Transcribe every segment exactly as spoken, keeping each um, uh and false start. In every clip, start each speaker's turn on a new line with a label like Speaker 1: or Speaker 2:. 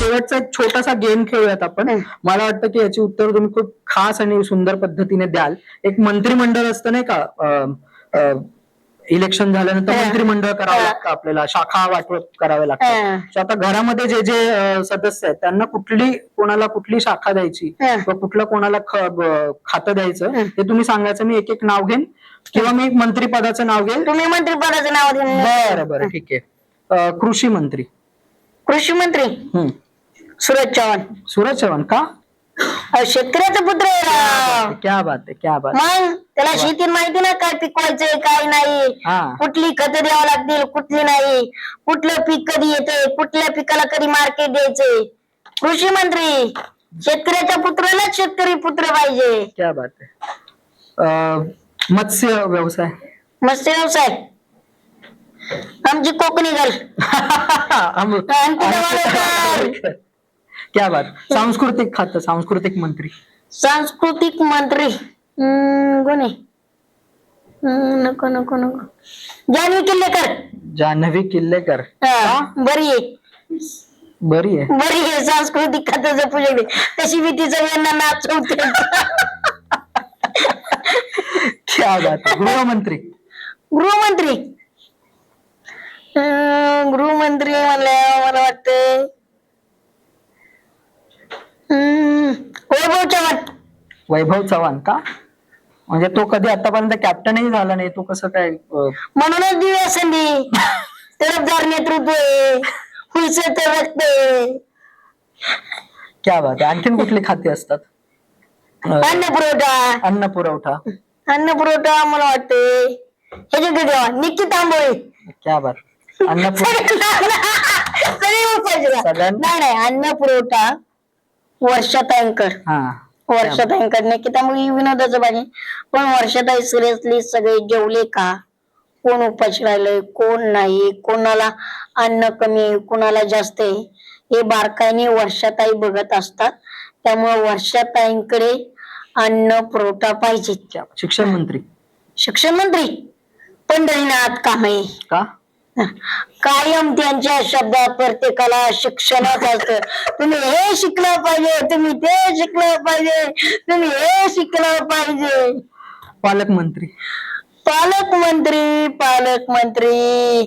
Speaker 1: शेवटचा एक छोटासा गेम खेळूयात आपण. मला वाटतं की याची उत्तर तुम्ही खूप खास आणि सुंदर पद्धतीने द्याल. एक मंत्रिमंडळ असतं नाही का, इलेक्शन झाल्यानंतर मंत्रिमंडळ करावं लागतं आपल्याला, शाखा वाटप करावे लागतात. आता घरामध्ये जे जे सदस्य आहेत त्यांना कुठली कोणाला कुठली शाखा द्यायची किंवा कुठलं कोणाला खातं द्यायचं ते तुम्ही सांगायचं. मी एक एक नाव घेईन किंवा मी मंत्रिपदाचं नाव घेईन,
Speaker 2: तुम्ही मंत्रिपदाचं नाव घेईन.
Speaker 1: बरं बरं ठीक आहे. कृषी मंत्री.
Speaker 2: कृषी मंत्री सूरज चव्हाण.
Speaker 1: सूरज चव्हाण का?
Speaker 2: शेतकऱ्याचा पुत्र आहे.
Speaker 1: क्या बात आहे, क्या बात.
Speaker 2: मग त्याला शेती माहिती ना, काय पिकवायचंय काय नाही, कुठली खतं द्यावं लागतील कुठली नाही, कुठलं पीक कधी येते, कुठल्या पिकाला कधी मार्केट द्यायचंय. कृषी मंत्री शेतकऱ्याच्या पुत्रालाच शेतकरी पुत्र पाहिजे.
Speaker 1: क्या बात आहे. मत्स्य व्यवसाय.
Speaker 2: मत्स्य व्यवसाय आमची कोकणी गल.
Speaker 1: क्या बात. सांस्कृतिक खातं. सांस्कृतिक मंत्री.
Speaker 2: सांस्कृतिक मंत्री कोणी? नको नको नको जान्हवी किल्लेकर.
Speaker 1: जान्हवी किल्लेकर
Speaker 2: बरी आहे,
Speaker 1: बरी आहे,
Speaker 2: बरी आहे. सांस्कृतिक खात्याचं पुढे तशी मी तिचं यांना नाचवते.
Speaker 1: क्या बात. गृहमंत्री.
Speaker 2: गृहमंत्री गृहमंत्री म्हणलं मला वाटतं वैभव चव्हाण.
Speaker 1: वैभव चव्हाण का? म्हणजे तो कधी आतापर्यंत कॅप्टनही झाला नाही, तो कसं काय?
Speaker 2: म्हणूनच दिव्या संधी, तरफदार नेतृत्व आहे, हुलसे तर रक्त आहे.
Speaker 1: क्या बात. आणखीन कुठली खाती असतात?
Speaker 2: अन्न पुरवठा.
Speaker 1: अन्न पुरवठा.
Speaker 2: अन्न पुरवठा मला वाटते ह्याच्याकडे द्यावा, निक्की तांबोळी.
Speaker 1: क्या बात. अन्न
Speaker 2: नाही नाही अन्न पुरवठा वर्षाताईंकर. वर्षाताईंकर निक्की तांबोळी विनोदाचं पाहिजे, पण वर्षाताई सिरियसली सगळे जेवले का, कोण उपाशी राहिलंय कोण नाही, कोणाला अन्न कमी कोणाला जास्त आहे हे बारकाईने वर्षाताई बघत असतात. त्यामुळे वर्षाताईंकडे अन्न पुरवठा पाहिजे.
Speaker 1: शिक्षण मंत्री.
Speaker 2: शिक्षण मंत्री पंढरीनाथ कांबळे.
Speaker 1: का?
Speaker 2: कायम त्यांच्या शब्दात प्रत्येकाला शिक्षणच असतं. तुम्ही हे शिकलं पाहिजे, तुम्ही ते शिकलं पाहिजे, तुम्ही हे शिकलं पाहिजे.
Speaker 1: पालकमंत्री.
Speaker 2: पालकमंत्री पालकमंत्री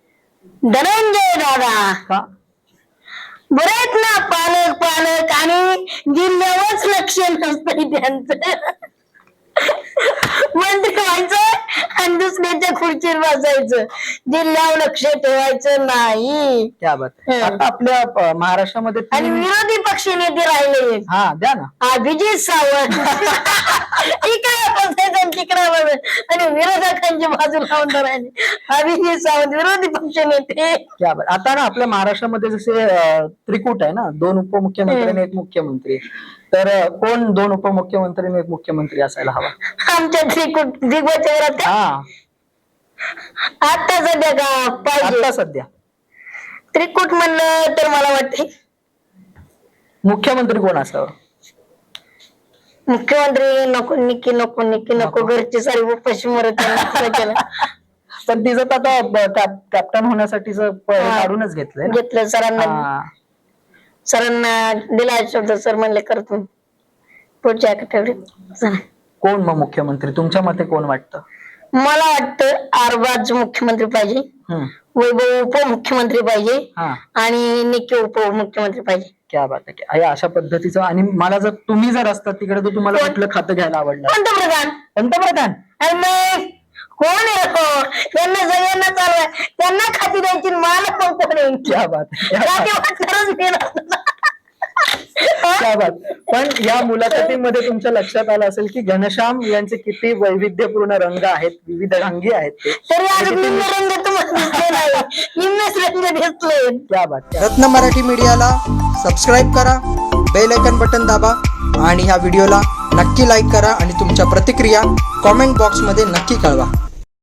Speaker 2: धनंजय दादा.
Speaker 1: का?
Speaker 2: बरे आहेत ना पालक पालक आणि जिल्ह्यावरच लक्ष नसतं त्यांचं. मंत्री व्हायचं आणि दुसऱ्याच्या खुर्चीवर बसायचं, जिल्ह्यावर लक्ष ठेवायचं नाही.
Speaker 1: क्या बात. आता आपल्या महाराष्ट्रामध्ये
Speaker 2: आणि विरोधी पक्ष नेते राहिले.
Speaker 1: हा द्या ना.
Speaker 2: अभिजित सावंत. इकडे बसायचं तिकडे बसायचं आणि विरोधकांची बाजू लावून राहिले. अभिजित सावंत विरोधी पक्ष नेते.
Speaker 1: क्या बात. आता ना आपल्या महाराष्ट्रामध्ये जसे त्रिकूट आहे ना, दोन उपमुख्यमंत्री आणि एक मुख्यमंत्री, तर कोण दोन उपमुख्यमंत्री आणि एक मुख्यमंत्री असायला हवा?
Speaker 2: आमच्या त्रिकूट दिग्वचरात.
Speaker 1: हा
Speaker 2: आता सध्या का पाहिजे?
Speaker 1: आता सध्या
Speaker 2: त्रिकूट म्हणलं तर मला वाटते
Speaker 1: मुख्यमंत्री कोण असावं?
Speaker 2: मुख्यमंत्री नको, निकी नको, निकी नको, घरची सारी उपाशी मरत.
Speaker 1: पण तिचं तर आता कॅप्टन होण्यासाठी काढूनच घेतलंय
Speaker 2: घेतलं सरांना. सरांना दिला शब्द, सर म्हणले करतो पुढच्या आठवड्यात.
Speaker 1: कोण मग मुख्यमंत्री तुमच्या मते कोण वाटतं?
Speaker 2: मला वाटतं आरबाज मुख्यमंत्री पाहिजे, वैभव उपमुख्यमंत्री पाहिजे आणि निकी उपमुख्यमंत्री पाहिजे.
Speaker 1: क्या बात आहे. अशा पद्धतीचं. आणि मला जर तुम्ही जर असतात तिकडे तर तुम्हाला कुठलं खातं घ्यायला आवडलं?
Speaker 2: पंतप्रधान.
Speaker 1: पंतप्रधान
Speaker 2: कोण आहे? त्यांना सगळ्यांना चालवाय, त्यांना खाती द्यायची, मला पण कोण आहे?
Speaker 1: क्या बात. क्या बात. पण या मुलाखतीमध्ये तुमच्या लक्षात आलं असेल की घनश्याम यांचे किती वैविध्यपूर्ण रंग आहेत, विविध रंगी आहेत ते.
Speaker 2: तरी आज निम्न रंग तुम्हाला निम्नच रंग दिसले.
Speaker 1: क्या बात.
Speaker 3: रत्न मराठी मीडियाला सबस्क्राईब करा, बेल आयकॉन बटन दाबा आणि ह्या व्हिडिओला नक्की लाईक करा आणि तुमच्या प्रतिक्रिया कॉमेंट बॉक्समध्ये नक्की कळवा.